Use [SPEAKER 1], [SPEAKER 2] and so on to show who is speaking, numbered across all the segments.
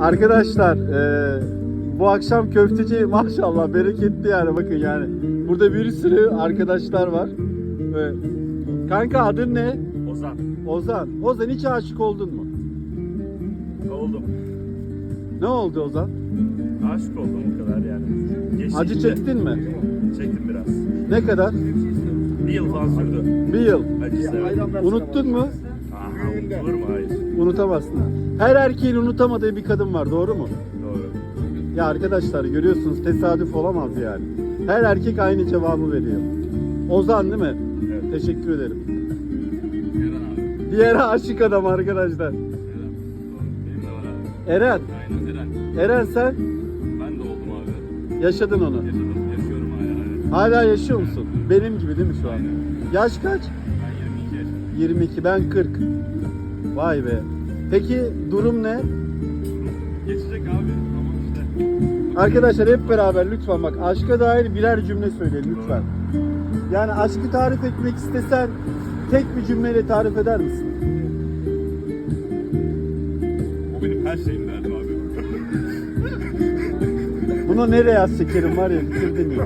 [SPEAKER 1] Arkadaşlar bu akşam köfteci maşallah bereketli yani, bakın yani. Burada bir sürü arkadaşlar var. Kanka adın ne?
[SPEAKER 2] Ozan.
[SPEAKER 1] Ozan. Ozan, hiç aşık oldun mu?
[SPEAKER 2] Oldum.
[SPEAKER 1] Ne oldu Ozan?
[SPEAKER 2] Aşık oldum o kadar yani. Geçti
[SPEAKER 1] Acı
[SPEAKER 2] gitti.
[SPEAKER 1] çektin mi?
[SPEAKER 2] Çektim biraz.
[SPEAKER 1] Ne kadar?
[SPEAKER 2] Bir yıl falan sürdü.
[SPEAKER 1] Bir yıl.
[SPEAKER 2] Acısı evet.
[SPEAKER 1] Unuttun mu?
[SPEAKER 2] Aha, olur mu? Hayır.
[SPEAKER 1] Unutamazsın. Her erkeğin unutamadığı bir kadın var, doğru mu?
[SPEAKER 2] Doğru.
[SPEAKER 1] Ya arkadaşlar görüyorsunuz, tesadüf olamaz yani. Her erkek aynı cevabı veriyor. Ozan değil mi?
[SPEAKER 2] Evet.
[SPEAKER 1] Teşekkür ederim.
[SPEAKER 2] Eren abi.
[SPEAKER 1] Diğer aşık adam arkadaşlar.
[SPEAKER 2] Eren. Benim de var abi.
[SPEAKER 1] Eren.
[SPEAKER 2] Aynen Eren.
[SPEAKER 1] Eren sen
[SPEAKER 2] Ben de oldum abi.
[SPEAKER 1] yaşadın onu.
[SPEAKER 2] Yaşadım. Yaşıyorum hala. Evet.
[SPEAKER 1] Hala yaşıyor musun? Benim gibi değil mi şu an?
[SPEAKER 2] Aynen.
[SPEAKER 1] Yaş kaç?
[SPEAKER 2] Ben 22 yaşındayım.
[SPEAKER 1] 22, ben 40. Vay be. Peki durum ne?
[SPEAKER 2] Geçecek abi. Ama işte.
[SPEAKER 1] Arkadaşlar hep beraber lütfen bak, aşka dair birer cümle söyleyin lütfen. Yani aşkı tarif etmek istesen tek bir cümleyle tarif eder misin?
[SPEAKER 2] O benim her şeyim derdim abi.
[SPEAKER 1] Bunu nereye yaz şekerim var ya, bitirdin ya.
[SPEAKER 2] Yok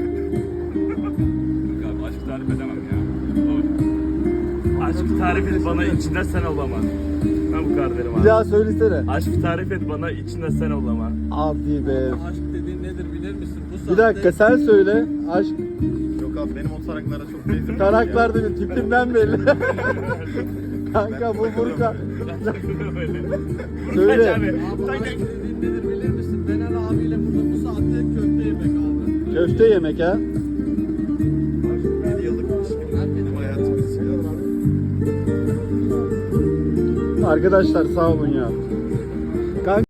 [SPEAKER 2] abi aşk tarif edemem ya. O... Aşk tarif et bana içinden sen ol ama. Ben bu kadar derim
[SPEAKER 1] Bir
[SPEAKER 2] abi.
[SPEAKER 1] daha söylesene.
[SPEAKER 2] Aşk tarif et bana içinden sen ol ama.
[SPEAKER 1] Abi be.
[SPEAKER 3] Aşk dediğin nedir bilir misin? Bu
[SPEAKER 1] Bir dakika sen söyle. Aşk
[SPEAKER 4] Yok abi benim o taraklara çok benziyor.
[SPEAKER 1] taraklar değil, tipimden belli. Kanka bu Burkan. Söyle.
[SPEAKER 3] Abi aşk dediğin nedir bilir misin? Bener abiyle burada bu saatte köfte yemek abi.
[SPEAKER 1] Köfte yemek ha.
[SPEAKER 4] 7 yıllık ilişkim benim hayatım.
[SPEAKER 1] Arkadaşlar sağ olun ya.